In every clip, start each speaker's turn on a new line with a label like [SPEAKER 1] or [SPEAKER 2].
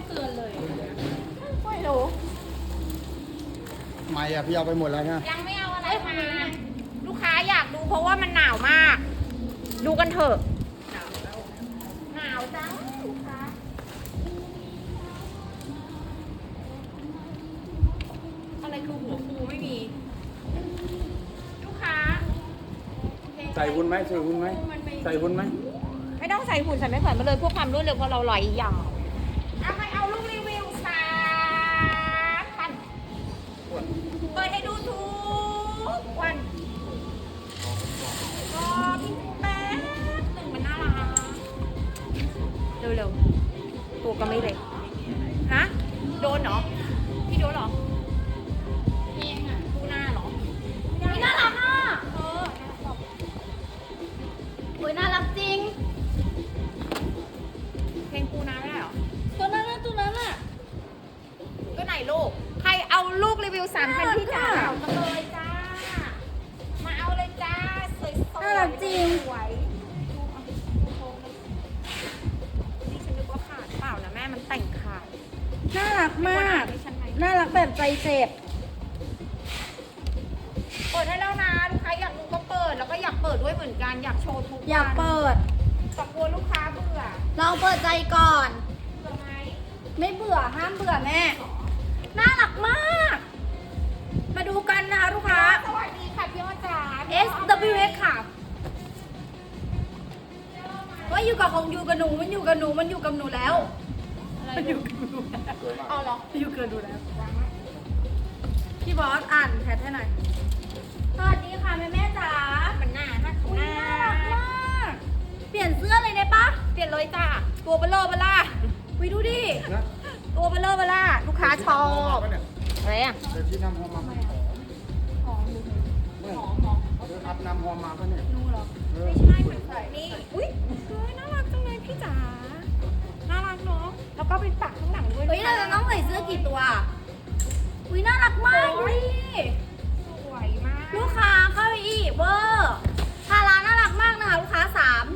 [SPEAKER 1] เตือนเลย
[SPEAKER 2] ไม่รู้
[SPEAKER 3] ไม่อะพี่เอาไปหมดแล้วนะ
[SPEAKER 2] ยังไม่เอาอะไรมาลูกค้าอยากดูเพราะว่ามันหนาวมาก ดูกันเถอะหนาวจังลูกค้าอะไรคือหัวฟูไม่มี ลูกค้า
[SPEAKER 3] ใส่วุ้นไหมใส่วุ้นไหมใส่วุ้นไหม
[SPEAKER 2] ไม่ต้องใส่หุ่นใส่ไม่แขวนมาเลยเพื่อความรวดเร็วเพราะเราลอยยาวเอาไปเอาลูกรีวิว3,000เปิดให้ดูทุกวันรอพี่แป๊บหนึ่งมันน่ารักเร็วๆตัวก็ไม่เล็กฮะโดนเหรอพี่โดนเหรอพี่เองอ่ะดูหน้าเหรอไม่น่ารักอ่ะโอ้ยน่ารักจริงเพลงปูนาไม่ได้เหรอ
[SPEAKER 1] ตัวนั้นน่ะตัวนั้นน่ะ
[SPEAKER 2] ก็ไหนลูก ใครเอาลูกรีวิว3,000ที่จ๋าเอามาเลยจ้า มาเอาเลยจ้า สวยๆ
[SPEAKER 1] น่ารักจริง
[SPEAKER 2] สวยดูเอาดูโค้งเลยนี่ฉันนึกว่าขาดเปล่านะแม่มันแต่งขาด
[SPEAKER 1] น่ารักมาก
[SPEAKER 2] ดิฉันไหม
[SPEAKER 1] น่ารักแบบใจเจ็บ
[SPEAKER 2] เปิดให้แล้วนะลูกค้าอยากดูก็เปิด แล้วก็อยากเปิดด้วยเหมือนกัน อยากโชว์ทุกวัน
[SPEAKER 1] อยากเปิด
[SPEAKER 2] แต่กลัวลูกค้าเบื่อ
[SPEAKER 1] ลองเปิดใจก่อน
[SPEAKER 2] เบื่อไหม
[SPEAKER 1] ไม่เบื่อห้ามเบื่อแม่ น่ารักมาก มาดูกันนะคะลูกค้า
[SPEAKER 2] สวัสดีค่ะพี่อ้อจ๋า
[SPEAKER 1] SWS ค่ะ ว่าอยู่กับของอยู่กับหนูมันอยู่กับหนูมันอยู่กับหนูแล้วมันอยู่กับหนู
[SPEAKER 2] เอาเหรอ
[SPEAKER 1] อยู่กับหนูแล้วพี่บอสอ่านแชทให้หน่อยสวัสดีค่ะแม่แม่จ๋า
[SPEAKER 2] มันหน้าน่า
[SPEAKER 1] อุ๊ยน่ารักมาก เปลี่ยนเสื้อเลยได้ปะ
[SPEAKER 2] เปลี่ยนเลยจ้า ตัวเบลอเบล่า
[SPEAKER 1] วิดูดิ
[SPEAKER 3] นะ
[SPEAKER 2] ตัวเบลอเบล่าลูกค้าชอบอะไรอ่ะ
[SPEAKER 3] เดี๋ยวที่นำหอมมาหอมเดี๋ยวอัพนำหอมมาปะเนี่ย
[SPEAKER 1] นูเหรอ
[SPEAKER 2] ไม่ใช่เหมือนใส่นี่ อุ้ยเฮ้ยน่ารักจังเลยพี่จ๋า น่ารักเนาะ แล้วก็เป็นปักข้างหลังด้วย
[SPEAKER 1] เฮ้ยเราจะต้องใส่เสื้อกี่ตัวอุ้ยน่ารักมากดูดิ
[SPEAKER 2] สวยมาก
[SPEAKER 1] ลูกค้าเข้าไปอีกเวอร์ทาราน่ารักมากนะคะลูกค้า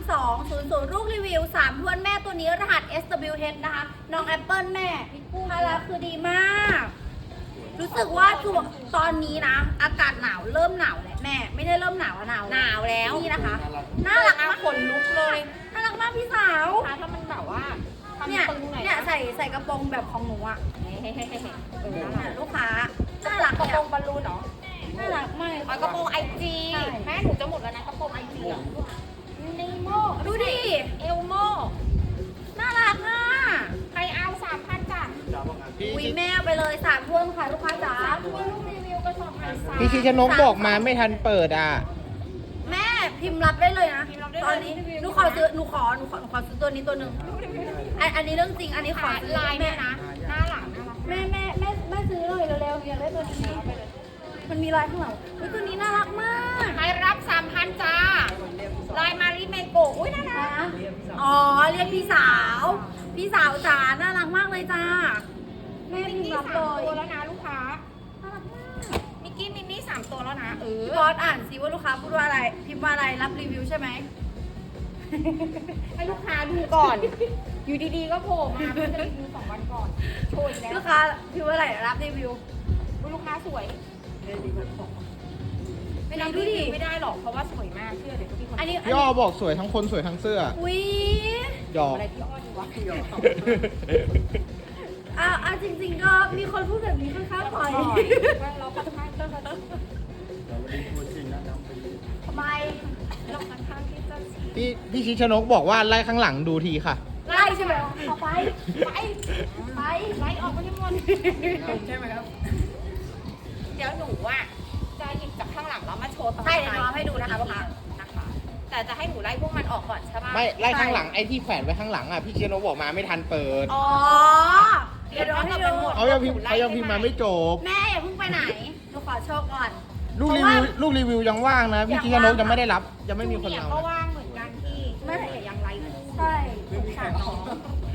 [SPEAKER 1] 3200ลูกรีวิว3ทวนแม่ตัวนี้รหัส SWH นะคะน้องแอปเปิลแม่ทาราคือดีมาก รู้สึกว่าช่วงตอนนี้นะ อากาศหนาวเริ่มหนาวแล้วแม่ ไม่ได้เริ่มหนาวอะหนาว
[SPEAKER 2] หนาวแล้ว
[SPEAKER 1] นี่นะคะ น่ารักมาก
[SPEAKER 2] ขนลุกเลย
[SPEAKER 1] น่ารักมากพี่สาว
[SPEAKER 2] ถ้ามันแบบว่าทำ
[SPEAKER 1] เนี่ย
[SPEAKER 2] ตึงหน่อย
[SPEAKER 1] เนี่ยใส่กระโปรงแบบของหนูอะ
[SPEAKER 2] เฮ้ยน่า
[SPEAKER 1] เนี่
[SPEAKER 2] รั
[SPEAKER 1] ย
[SPEAKER 2] ก
[SPEAKER 1] ลูกค้าน่ารัก
[SPEAKER 2] กระ
[SPEAKER 1] เนี่
[SPEAKER 2] โปร
[SPEAKER 1] ย
[SPEAKER 2] งบอลลูนเหรอ
[SPEAKER 1] น่ารักมาก
[SPEAKER 2] อ๋อกระโปรงไอจี
[SPEAKER 1] ใช่
[SPEAKER 2] แม่หนูจะหมดแล้วนะกระโปรงไอจีอ่ะนีโม
[SPEAKER 1] ดูดิ
[SPEAKER 2] เอลโม
[SPEAKER 1] น่ารักอ่ะ
[SPEAKER 2] ใครเอา3,000จ้ะ
[SPEAKER 1] อุ้ยแม่เอาไปเลย3ทวนค่ะลูกค้าจ๋า
[SPEAKER 2] คุณลูกรีวิวกระสอบไอซ์
[SPEAKER 4] พี่ชิชนกบอกมาไม่ทันเปิดอ่ะ
[SPEAKER 1] แม่พิมพ์รับได้เลยนะ
[SPEAKER 2] พิมพ์รับได้เลย
[SPEAKER 1] ตอนนี้หนูขอซื้อหนูขอซื้อตัวนี้ตัวหนึ่งอันนี้เรื่องจริงอันนี้ขอ
[SPEAKER 2] ขา
[SPEAKER 1] ซื้อ
[SPEAKER 2] ลาย
[SPEAKER 1] แม่
[SPEAKER 2] เนี่ยนะหน้าหลังน่ารัก
[SPEAKER 1] แม่ซื้อเลยเร็วๆอยากได้ตัวนี้มันมีลายข้างหลังอุ้ยตัวนี้น่ารักมาก
[SPEAKER 2] ใครรับ 3,000 จ้า ลายมาริเมโกะอุ้ยน่ารัก
[SPEAKER 1] นะอ๋อเรียกพี่สาวจ๋าน่ารักมากเลยจ้าแม่
[SPEAKER 2] มิ
[SPEAKER 1] พิ
[SPEAKER 2] ก
[SPEAKER 1] มพ์
[SPEAKER 2] กี้
[SPEAKER 1] รับ
[SPEAKER 2] 3
[SPEAKER 1] เล
[SPEAKER 2] ตัวย แล้วนะลูกค้า
[SPEAKER 1] น่ารักมาก
[SPEAKER 2] มิกกี้มินนี่3ตัวแล้วนะ
[SPEAKER 1] พี่บอสอ่านซิว่าลูกค้าพูดว่าอะไร พิมพ์ว่าอะไรรับรีวิวใช่ไหม
[SPEAKER 2] ให้ลูกค้าดูก่อน อยู่ดีๆก็โผล่มาเพิ่งจะรีวิว2 วันก่อน โชว์อีกแล้ว
[SPEAKER 1] ลูกค้าพิมพ์ว่าอะไรรับรีวิว
[SPEAKER 2] อุ๊ยลูกค้าสวย ไม่รับ
[SPEAKER 1] ดู
[SPEAKER 2] รี
[SPEAKER 1] ดิ
[SPEAKER 2] วิวไม่ได้หรอก เพราะว่าสวยมาก เชื่อเดี๋ยวก็มีคน
[SPEAKER 1] อันนี้
[SPEAKER 4] พี่อ้อบอกสวยทั้งคนสวยทั้งเสื้อ
[SPEAKER 1] อุ้ย
[SPEAKER 4] หยอก
[SPEAKER 2] อะไรพี่อ้อดีวะพี่อ้อ
[SPEAKER 1] จริงๆก็มีคนพูดแบบนี้ค่อนข้างบ่อย
[SPEAKER 2] เราค่อนข้างจะ
[SPEAKER 3] เราไม่ได้พูดจริงนะนำไปดู
[SPEAKER 1] ทำไม
[SPEAKER 2] เราค่อนข้างที่จะ
[SPEAKER 4] พี่ชิชนกบอกว่าไล่ข้างหลังดูทีค่ะ
[SPEAKER 1] ไล่ใช่ไหมเอาไป
[SPEAKER 2] ไปไล่ออกไปให้หมดใช่ไหมครับ เดี๋ยวหนูอ่ะจะหยิบจากข้างหลังแล้วมาโชว์ตอน
[SPEAKER 1] ใช่เดี๋ยวเราให้ดูนะคะลูกค้า
[SPEAKER 2] นะคะ แต่จะให้หนูไล่พวกมันออกก่อนใช่ปะ
[SPEAKER 4] ไม่ไล่ข้างหลังไอ้ที่แขวนไว้ข้างหลังอ่ะพี่ชิชนกบอกมาไม่ทันเปิด
[SPEAKER 2] อ๋อ
[SPEAKER 1] เดี๋ยวเราให้ดู
[SPEAKER 4] เขายังพิมพ์มาไม่จบ
[SPEAKER 1] แม่อย่าเพิ่งไปไหนหนูขอโชว์ก่อน
[SPEAKER 4] ลูกรีวิวยังว่างนะ พี่ชิชนกยังไม่ได้รับ ยังไม่มีคน
[SPEAKER 2] เนี่ย
[SPEAKER 4] เอา
[SPEAKER 2] ก็
[SPEAKER 4] นะ
[SPEAKER 2] ว่างเหมือนกันที่แม่แต่ยังไล่คู่
[SPEAKER 1] ใช่สงสารน้อง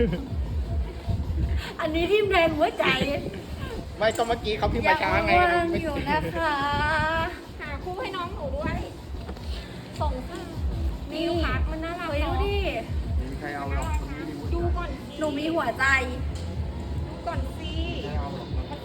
[SPEAKER 1] อันนี้ทิ่มแรงหัวใจ
[SPEAKER 4] ไม่ก็เมื่อกี้เขาพิมพ์มาช้าไง
[SPEAKER 1] ว่างอยู่นะคะ
[SPEAKER 2] หาคู่ให้น้องหนูด้วย ส่งค่ะนี่ลูกค้ามันน่ารัก
[SPEAKER 1] เฮ้ยดู
[SPEAKER 2] เนาะ
[SPEAKER 1] ดิ
[SPEAKER 3] ไม่มีใครเอาหรอกคนนี้ดี
[SPEAKER 2] ดูก่อน
[SPEAKER 1] หนูมีหัวใจ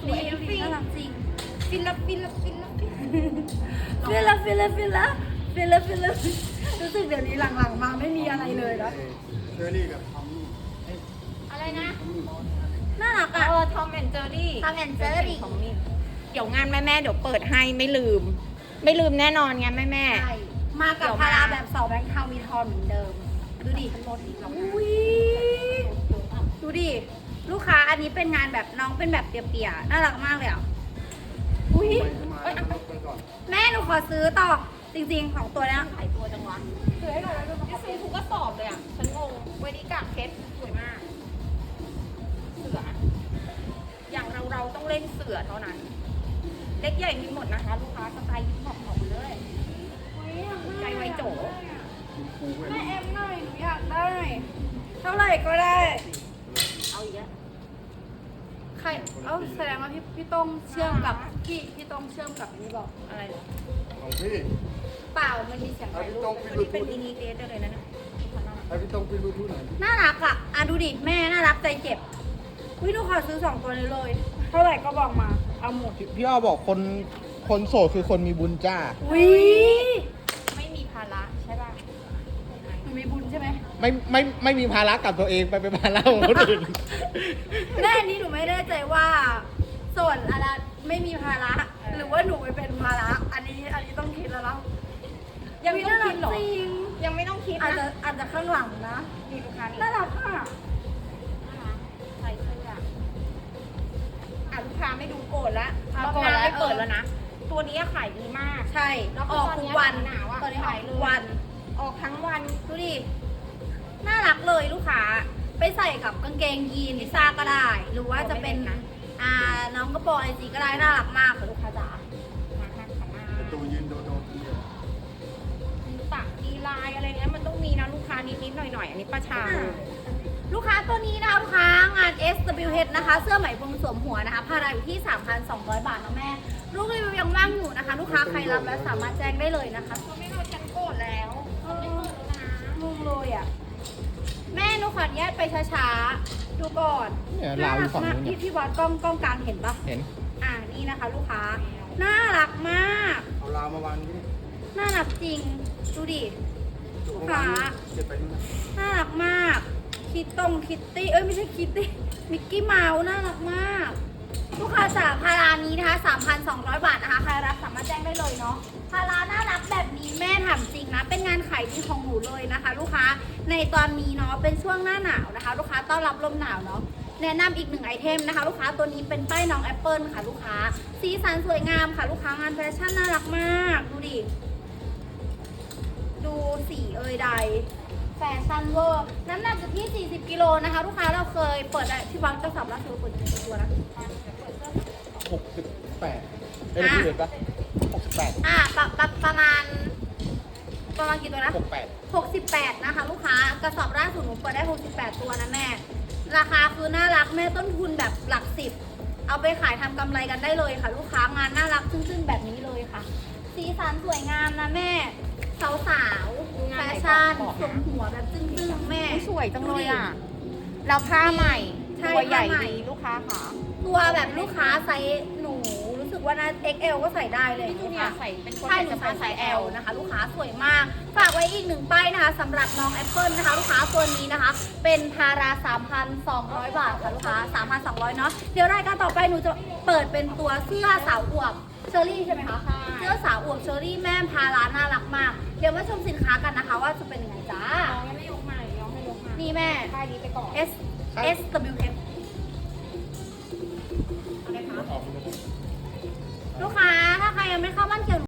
[SPEAKER 2] วย
[SPEAKER 1] ดูดิน่ารักจริง
[SPEAKER 2] ฟิลละฟิลละฟิลละฟิล
[SPEAKER 1] ฟิลละฟิลละฟิลละฟิลละฟิลละรู้สึกเดี๋ยวนี้หลังๆมาไม่มีอะไรเลยนะ
[SPEAKER 3] เชอรี่กับทอมมี่
[SPEAKER 2] อะไรนะ
[SPEAKER 1] น่ารักอ่ะ
[SPEAKER 2] ทอมแอนเจอรี่
[SPEAKER 1] Tom and Jerry
[SPEAKER 2] ของมินเดี๋ยวงานแม่เดี๋ยวเปิดให้ไม่ลืม ไม่ลืมแน่นอนงานแม่
[SPEAKER 1] ใช่มากับพาราแบบ2แบงค์เทามีทอนเหมือนเดิม ดูดิอุ้ยดูดิ ลูกค้าอันนี้เป็นงานแบบน้องเป็นแบบเปียๆน่ารักมากเลยอ่ะ อุ้ย
[SPEAKER 3] ไปมาไปก่อน
[SPEAKER 1] แม่หนูขอซื้อต่อ จริงๆของตัวเนี้ย
[SPEAKER 2] ขายตัวจังวะซื้อให้หน่อยแล้วจะซื้อทุกกระสอบเลยอ่ะฉันงงเวดี้กากเพชรสวยมาก เสือ อย่างเราต้องเล่นเสือเท่านั้น เล็กใหญ่มีหมดนะคะ ลูกค้าสไตล์ฮิปฮอปของเลย ใจไวโจ
[SPEAKER 3] คูเว้ย
[SPEAKER 1] แม่เอ็มหน่อยหนูอยากได้ เท่าไหร่ก็ได้
[SPEAKER 2] เอาอีกแล้ว
[SPEAKER 1] ใคร เอ้าแสดงว่าพี่ต้องเชื่อมกับพี่ต้องเชื่อมกับอันนี้บอก
[SPEAKER 2] อะไรเหรอ
[SPEAKER 3] ของพี่
[SPEAKER 1] เปล่ามันมีเสียง
[SPEAKER 3] ให้
[SPEAKER 1] ถ่าย
[SPEAKER 3] พี่
[SPEAKER 1] รู
[SPEAKER 3] ต้อ
[SPEAKER 1] ป
[SPEAKER 3] งปิด
[SPEAKER 2] วัน
[SPEAKER 3] รู
[SPEAKER 2] นี้
[SPEAKER 3] ทู
[SPEAKER 2] เป็นมินิเดทได้เลยนะเนี่ย
[SPEAKER 3] ให้พี่ต้องปิดรูทูหน่อย
[SPEAKER 1] น่ารักอ่ะดูดิแม่น่ารักใจเจ็บวิหนูขอซื้อ2ตัวนี้เลย เท่าไหร่ก็บอกมา เอาหมด
[SPEAKER 4] พี่อ้อบอกคนโสดคือคนมีบุญจ้า
[SPEAKER 1] วิ
[SPEAKER 2] ไม่มีภาระใช่ป่ะ
[SPEAKER 1] หนูมีบุญใช่ไหม
[SPEAKER 4] ไม่มีภาระกับตัวเองไปเป็นภาระของคนอื่น
[SPEAKER 1] แม่อันนี้หนูไม่แน่ใจว่าส่วนอะไรไม่มีภาระหรือว่าหนูไปเป็นภาระอันนี้ต้องคิดแล้วเนาะ
[SPEAKER 2] ยังไม่ต้องคิดหรอ
[SPEAKER 1] จริง
[SPEAKER 2] ยังไม่ต้องคิด
[SPEAKER 1] อาจจะ
[SPEAKER 2] นะ
[SPEAKER 1] อาจจะข้างหลังนะ
[SPEAKER 2] มีลูกค้านี่
[SPEAKER 1] น่ารักอ่ะ
[SPEAKER 2] ใส่เสื้อลูกค้าไม่ดูโกรธละ
[SPEAKER 1] โกรธ
[SPEAKER 2] รอบห
[SPEAKER 1] แล้ว
[SPEAKER 2] น้าไม่เปิดแล้วนะ ตัวนี้ขายดีมาก
[SPEAKER 1] ใช่
[SPEAKER 2] แล้ว
[SPEAKER 1] อ
[SPEAKER 2] ก็
[SPEAKER 1] อก
[SPEAKER 2] ตอน
[SPEAKER 1] ทุ
[SPEAKER 2] เนี้
[SPEAKER 1] ก
[SPEAKER 2] ย
[SPEAKER 1] วัน
[SPEAKER 2] หนาวอะ
[SPEAKER 1] ตอนนี้ออ
[SPEAKER 2] ขาก ยเล
[SPEAKER 1] ทุ
[SPEAKER 2] ย
[SPEAKER 1] กวัน
[SPEAKER 2] ออกทั้งวัน
[SPEAKER 1] ดูดิ น่ารักเลยลูกค้า ไปใส่กับกางเกงยีนลิซ่าก็ได้ หรือว่าจะเป็นน้องกระโปรงไอจีก็ได้ น่ารักมากค่ะลูกค้าจ๋า
[SPEAKER 2] มาค่ะขามา
[SPEAKER 3] ประตูยืนโดดคนเดียว
[SPEAKER 2] ตักดีไลน์อะไรเงี้ยมันต้องมีนะลูกค้านิดๆหน่อยๆ อันนี้ประชา
[SPEAKER 1] ลูกค้าตัวนี้นะคะลูกค้างาน SWH นะคะ เสื้อไหมพรมสวมหัวนะคะพาราอยู่ที่ 3,200 บาทนะแม่ ลูกรีวิวยังว่างอยู่นะคะ ลูกค้าใครรับแล้วสามารถแจ้งได้เลยนะคะ
[SPEAKER 2] เขาไม่เอาฉันโกรธแล้วเขาไม่เปิดแล้วนะ
[SPEAKER 1] งงเลยอ่ะ แม่หนูขออนุญาตไปช้าๆ ดูก่อน
[SPEAKER 4] เนี่ยลาวอยู่ฝั่งนู้นเนี่ย
[SPEAKER 1] พี่วัดกล้องกลางเห็นปะ
[SPEAKER 4] เห็น
[SPEAKER 1] นี่นะคะ ลูกค้า น่ารักมาก
[SPEAKER 3] เอาลาวมาวางนี่
[SPEAKER 1] น่ารักจริง ดูดิ
[SPEAKER 3] จุกวางเก็บไปนู่นนะ
[SPEAKER 1] น่ารักมาก คิตตี้ไม่ใช่คิตตี้มิกกี้เมาส์น่ารักมาก ลูกค้าจากพารานี้นะคะ 3,200 บาทนะคะใครรับสามารถแจ้งได้เลยเนาะพาราน่ารักแบบนี้แม่ถามจริงนะ เป็นงานขายดีของหนูเลยนะคะ ลูกค้าในตอนนี้เนาะเป็นช่วงหน้าหนาวนะคะ ลูกค้าต้อนรับลมหนาวเนาะแนะนำอีก1ไอเทมนะคะ ลูกค้าตัวนี้เป็นป้ายน้องแอปเปิลค่ะ ลูกค้าสีสันสวยงามค่ะ ลูกค้างานแฟชั่นน่ารักมากดูดิดูสีใดแฟชั่นเวอร์น้ำหนักอยู่ที่ 40 กิโลนะคะ ลูกค้าเราเคยเปิดที่วัดกระสอบละคือเปิดกี่ตัวนะ
[SPEAKER 4] 68เอ้ยพี่เห็นปะ68
[SPEAKER 1] ประมาณกี่ตัวนะ
[SPEAKER 4] 68
[SPEAKER 1] 68 นะคะ ลูกค้ากระสอบล่าสุดหนูเปิดได้ 68 ตัวนะแม่ ราคาคือน่ารักแม่ต้นทุนแบบหลัก10เอาไปขายทำกำไรกันได้เลยค่ะ ลูกค้างานน่ารักซึ้งๆแบบนี้เลยค่ะ สีสันสวยงามนะแม่สาวๆแฟชั่นสวมหัวแบบซึ้งๆแม่
[SPEAKER 2] สวยจังเลยอ่ะ แล้วผ้าใหม่
[SPEAKER 1] ใช่
[SPEAKER 2] ตัวใหญ่
[SPEAKER 1] ผ้าใหม่
[SPEAKER 2] ดีลูกค้าค่ะ
[SPEAKER 1] ตัวแบบลูกค้าไซส์หนูรู้สึกว่านะ XL ก็ใส่ได้เลย
[SPEAKER 2] พี่จูเนียร์ใส่เป็นคน
[SPEAKER 1] ใช่หนู
[SPEAKER 2] จะ
[SPEAKER 1] ใส่
[SPEAKER 2] มา
[SPEAKER 1] ไซ
[SPEAKER 2] ใส่
[SPEAKER 1] ส์
[SPEAKER 2] L
[SPEAKER 1] L นะคะ ลูกค้าสวยมาก ฝากไว้อีก1ป้ายนะคะสำหรับน้องแอปเปิลนะคะ ลูกค้าตัวนี้นะคะ เป็นพารา 3,200 บาทค่ะลูกค้า 3,200 เนาะเดี๋ยวรายการต่อไปหนูจะเปิดเป็นตัวเสื้อสาวอวบเชอรี่ใช่ไหมคะ
[SPEAKER 2] ใช่
[SPEAKER 1] เสื้อสาวอวบเชอรี่แม่พาราน่ารักมาก เดี๋ยวมาชมสินค้ากันนะคะ ว่าจะเป็นยังไงจ้า
[SPEAKER 2] น้องยังไม่ยกใหม่น้องให้ยกมา
[SPEAKER 1] นี่แม่
[SPEAKER 2] ป้ายนี้ไปก่อน
[SPEAKER 1] SWH
[SPEAKER 2] เอาเลยค่ะ
[SPEAKER 1] ลูกค้าถ้าใครยังไม่เข้าบ้านเขียว